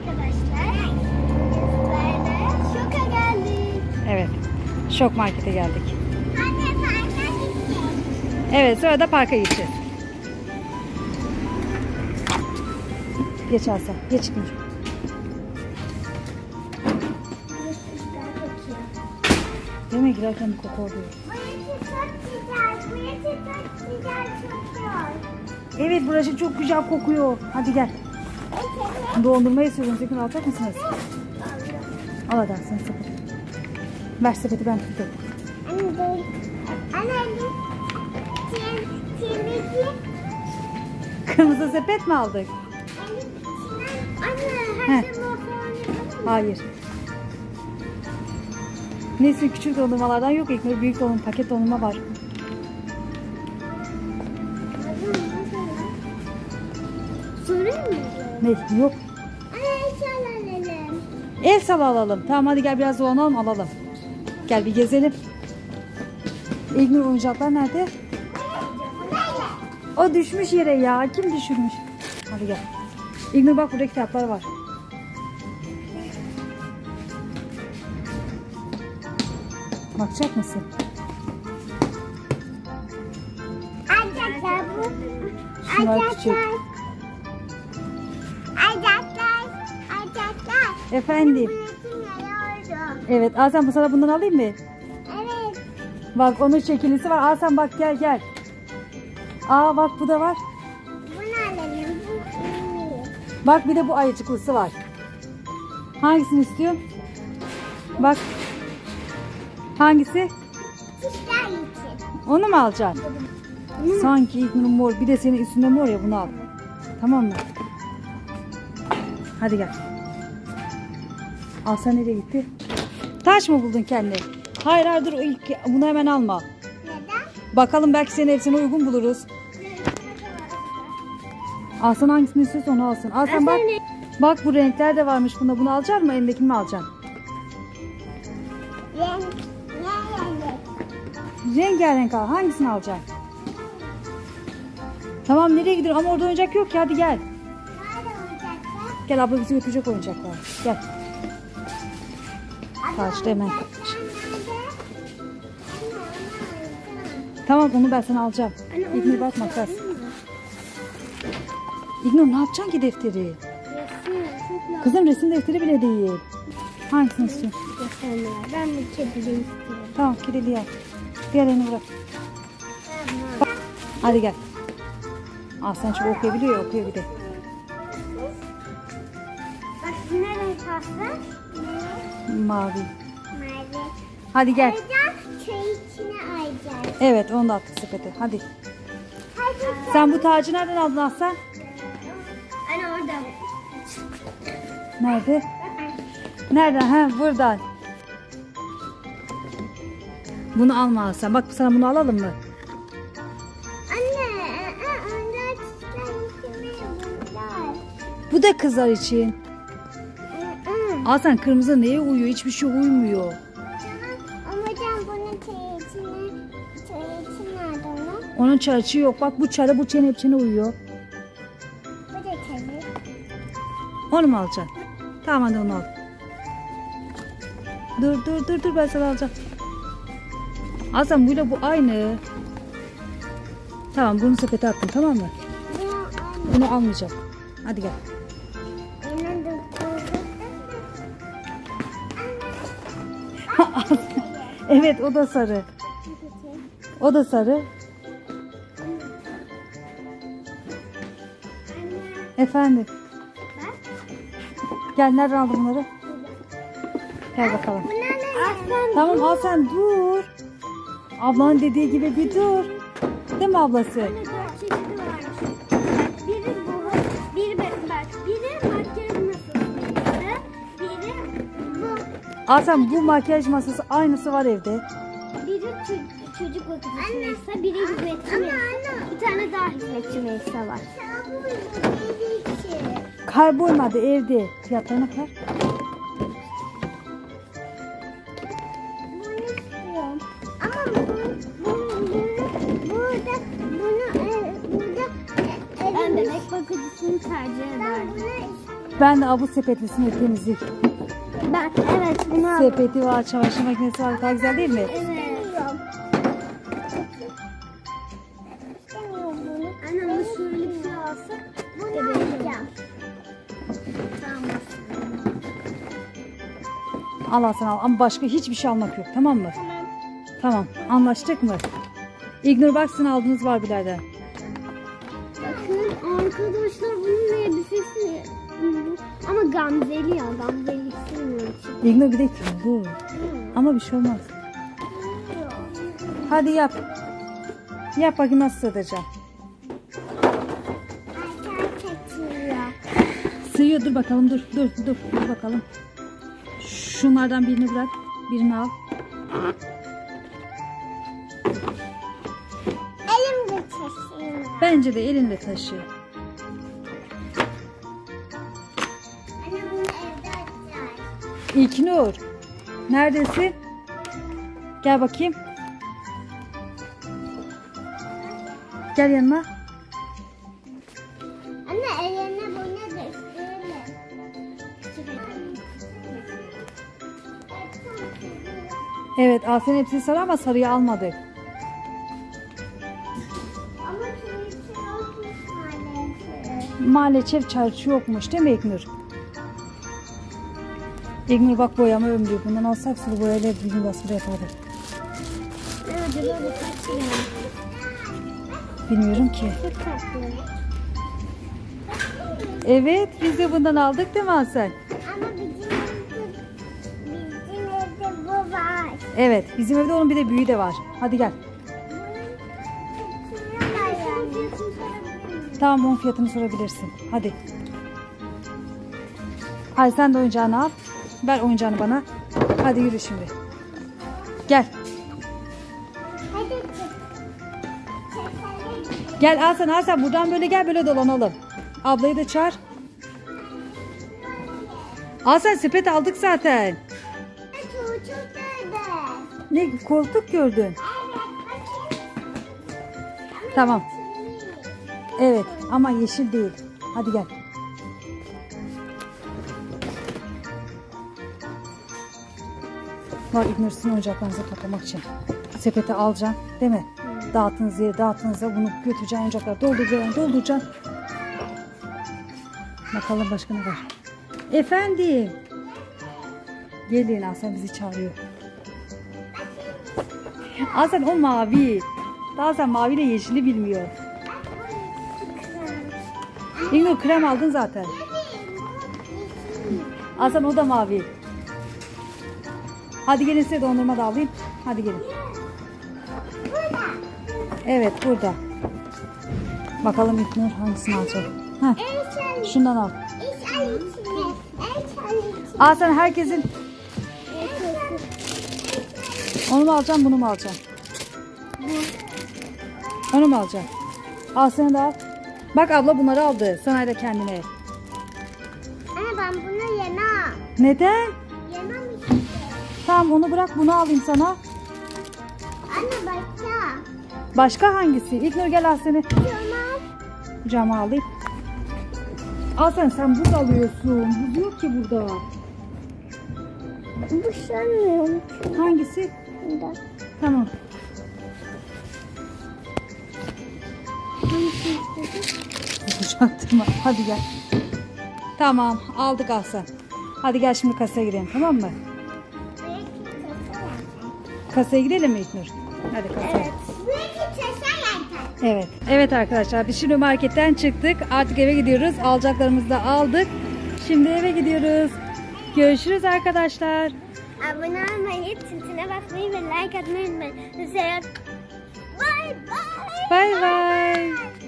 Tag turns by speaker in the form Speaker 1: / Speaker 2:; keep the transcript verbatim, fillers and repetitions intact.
Speaker 1: arkadaşlar. Böyle şoka geldik.
Speaker 2: Evet. Şok markete geldik.
Speaker 1: Anne parka gittik.
Speaker 2: Evet, sonra da parka gideceğiz. Geç Aslan. Geç Nur. Değil mi? Girerken bir koku oluyor.
Speaker 1: Burası çok güzel. Burası çok güzel kokuyor.
Speaker 2: Evet, burası çok güzel kokuyor. Hadi gel. Dondurma istiyorum. Sakın alacak mısınız? Al hadi sen sepeti. Ver sepeti, ben tutayım.
Speaker 1: Anne değil. Anne tim timiki.
Speaker 2: Kırmızı sepet mi aldık?
Speaker 1: Anne
Speaker 2: Heh.
Speaker 1: her şey falan yapalım mı?
Speaker 2: Hayır. Neyse, küçük dondurmalardan yok. İlk büyük dondurma, paket dondurma var.
Speaker 1: Sorayım mı?
Speaker 2: Ne? Yok.
Speaker 1: Anne eşyalar alalım.
Speaker 2: El sala alalım. Tamam, hadi gel biraz dolanalım, alalım. Gel bir gezelim. İlknur, oyuncaklar nerede? O düşmüş yere ya. Kim düşürmüş? Hadi gel. İlknur bak, burada kitaplar var. Bakacak mısın?
Speaker 1: Ayacaklar bu.
Speaker 2: Şunlar
Speaker 1: Ayacaklar.
Speaker 2: küçük.
Speaker 1: Ayacaklar. Ayacaklar.
Speaker 2: Efendim.
Speaker 1: Burası ne oldu?
Speaker 2: Evet, Aslan, bu sana bundan alayım mı?
Speaker 1: Evet.
Speaker 2: Bak, onun şekillisi var. Aslan bak, gel gel. Aa bak, bu da var.
Speaker 1: Bunu alalım. Bu iyi.
Speaker 2: Bak, bir de bu ayıcıklısı var. Hangisini istiyorsun? Bak. Hangisi?
Speaker 1: Çiftler için.
Speaker 2: Onu mu alacaksın? Sanki İlknur'un mor. Bir de senin üstünde mor ya, bunu al. Tamam mı? Hadi gel. Aslan nereye gitti? Taş mı buldun kendine? Hayır hayır, dur, ilk bunu hemen alma.
Speaker 1: Neden?
Speaker 2: Bakalım, belki senin hepsine uygun buluruz. Aslan hangisini istiyorsa onu alsın. Aslan bak. Bak, bu renkler de varmış bunda. Bunu alacak mısın? Elindekini mi alacaksın?
Speaker 1: Renk. Ne renk?
Speaker 2: Rengarenk al. Hangisini alacaksın? Tamam, nereye gidiyor? Ama orada oyuncak yok ki. Hadi gel.
Speaker 1: Nerede olacaklar?
Speaker 2: Gel, abla bizi götürecek oyuncaklar. Gel. Karşıda hemen. Tamam, onu ben sana alacağım. İlknur bak, makas. İlknur, ne yapacaksın ki defteri? Kızım, resim defteri bile değil. Hangisini istiyorsun?
Speaker 1: Ben bir kedi istiyorum.
Speaker 2: Tamam, kirili al. Diğerini bırak. Hadi gel. Aslan çok okuyabiliyor ya, okuyor bir de.
Speaker 1: Bak ne renk pasta?
Speaker 2: Mavi.
Speaker 1: Mavi.
Speaker 2: Hadi gel.
Speaker 1: Ayacak, çay içine ayacak.
Speaker 2: Evet, onu da attık sepete. Hadi.
Speaker 1: Hadi.
Speaker 2: Sen bu tacı nereden aldın Aslan?
Speaker 1: Anne orada.
Speaker 2: Nerede? Nereden? Ha, buradan. Bunu alma Aslan. Bak, sana bunu alalım mı?
Speaker 1: Anne, onlar çiçekler içine bunlar.
Speaker 2: Bu da kızlar için. Aslan, kırmızı neye uyuyor? Hiçbir şey uymuyor.
Speaker 1: Ama can bunun çayı içine, çayı için nerede onun?
Speaker 2: Onun çarçı yok. Bak, bu çarı bu çene hepsine uyuyor.
Speaker 1: Bu da çayı.
Speaker 2: Onu mu alacaksın? Tamam, hadi onu al. Dur dur dur dur, ben sana alacağım. Aslan, buyla bu aynı. Tamam, bunu sepete attım, tamam mı?
Speaker 1: Bunu anne.
Speaker 2: Bunu almayacağım. Hadi gel.
Speaker 1: Hemen de
Speaker 2: Evet, o da sarı. O da sarı. Efendim. Gel, nereden aldın bunları? Gel bakalım.
Speaker 1: Aslan.
Speaker 2: Tamam, al sen, dur. Ablanın dediği gibi bir dur. Değil mi ablası?
Speaker 1: Dört çeşidi varmış. Biri bu, biri bak, biri makyaj masasıydı, biri bu,
Speaker 2: Al sen, bu makyaj masası aynısı var evde.
Speaker 1: biri çocuk, çocuk bakıcısı Melisa, biri hizmetçi Melisa, bir tane daha hizmetçi Melisa var.
Speaker 2: Kaybolmadı evde. Fiyatlarına kadar.
Speaker 1: Bunu istiyorum. Ama bu, bu, bu, burada, bunu, e, burada, e, ben bebek bakıcısını tercih ederdim. Ben bunu istiyorum.
Speaker 2: Ben de abu sepetlisini temizlik.
Speaker 1: Ben evet bunu aldım.
Speaker 2: Sepeti var, çamaşır makinesi var. Daha güzel değil mi?
Speaker 1: Evet. İstemiyorum. İstemiyorum bunu. Anne ama şöyle bir şey alsak. Bunu alacağım. Tamam.
Speaker 2: Al Hasan al. Ama başka hiçbir şey almak yok. Tamam mı?
Speaker 1: Tamam.
Speaker 2: Tamam. Anlaştık mı? İgnur baksın aldığınız Barbie'lerden.
Speaker 1: Bakın arkadaşlar bunun elbisesi. Ama Gamzeli ya. Gamzeli istemiyorum.
Speaker 2: İgnur bir de bu. Ama bir şey olmaz. Hadi yap. Yap bakayım nasıl sığdıracağım. Sığıyor, dur bakalım, dur dur dur dur bakalım. Şunlardan birini bırak, birini al.
Speaker 1: Elimde taşıyorum.
Speaker 2: Bence de elinle taşı.
Speaker 1: Anne bunu evde açacağız.
Speaker 2: İlknur, neredesin? Gel bakayım. Gel yanıma.
Speaker 1: Anne eline bu nedir?
Speaker 2: Evet, Asen hepsini sarı ama sarıyı almadık.
Speaker 1: Ama turuncu yokmuş maalesef.
Speaker 2: Maalesef çarşı yokmuş değil mi İlknur? İlknur bak boyama ömrü. Bundan alsak sulu boyayla bir gün basılı yapardık.
Speaker 1: Ne acaba bu kaç lira?
Speaker 2: Bilmiyorum ki.
Speaker 1: Çok tatlı.
Speaker 2: Evet, biz de bundan aldık değil mi Asen?
Speaker 1: Ama bizim evde, bizim evde bu var.
Speaker 2: Evet, bizim evde onun bir de büyüğü de var. Hadi gel. Tamam, onun fiyatını sorabilirsin. Hadi. Hadi sen de oyuncağını al. Ver oyuncağını bana. Hadi yürü şimdi. Gel.
Speaker 1: Hadi çık.
Speaker 2: Gel Asen, Asen buradan böyle gel, böyle dolanalım. Ablayı da çağır. Asen sepet aldık zaten.
Speaker 1: Çocuk nerede?
Speaker 2: Ne koltuk gördün?
Speaker 1: Evet, bakayım.
Speaker 2: Tamam. Evet ama yeşil değil. Hadi gel. Var İgnur'sun oyuncaklarınızı toplamak için. Sepete alacaksın değil mi? Dağıttığınız yere dağıttığınızda bunu götüreceksin, oyuncakları dolduracaksın, dolduracaksın. Bakalım başka ne var? Efendim. Gelin, Hasan bizi çağırıyor. Hasan o mavi. Daha sen maviyle yeşili bilmiyor. İgnur krem aldın zaten. Hasan o da mavi. Hadi gelin size dondurma da alayım. Hadi gelin. Evet burada. Bakalım İgnur hangisini alacak. Heh, şundan al. Hasan herkesin. Onu mu alacağım, bunu mu alacağım? Onu mu alacağım? Al sen de al. Bak abla bunları aldı. Sana da kendine.
Speaker 1: Anne ben bunu yemem.
Speaker 2: Neden?
Speaker 1: Yemem işte.
Speaker 2: Tamam onu bırak, bunu alayım sana.
Speaker 1: Anne başka.
Speaker 2: Başka hangisi? İlknur gel al seni.
Speaker 1: Tamam.
Speaker 2: Kucağıma alayım. Al sen, sen buz alıyorsun. Buz yok ki burada.
Speaker 1: Bu sanmıyorum.
Speaker 2: Hangisi?
Speaker 1: Bunda.
Speaker 2: Tamam. Kucaktırma. Hadi gel. Tamam aldık Aslan. Hadi gel şimdi kasaya gidelim, tamam mı? Kasaya gidelim mi İlknur? Hadi kasaya.
Speaker 1: Evet. Belki çeşen
Speaker 2: Evet. Evet arkadaşlar biz şimdi marketten çıktık. Artık eve gidiyoruz. Alacaklarımızı da aldık. Şimdi eve gidiyoruz. Görüşürüz arkadaşlar.
Speaker 1: Abone olmayı, tintine basmayı ve like atmayı unutmayın. Size bay bay.
Speaker 2: Bay bay.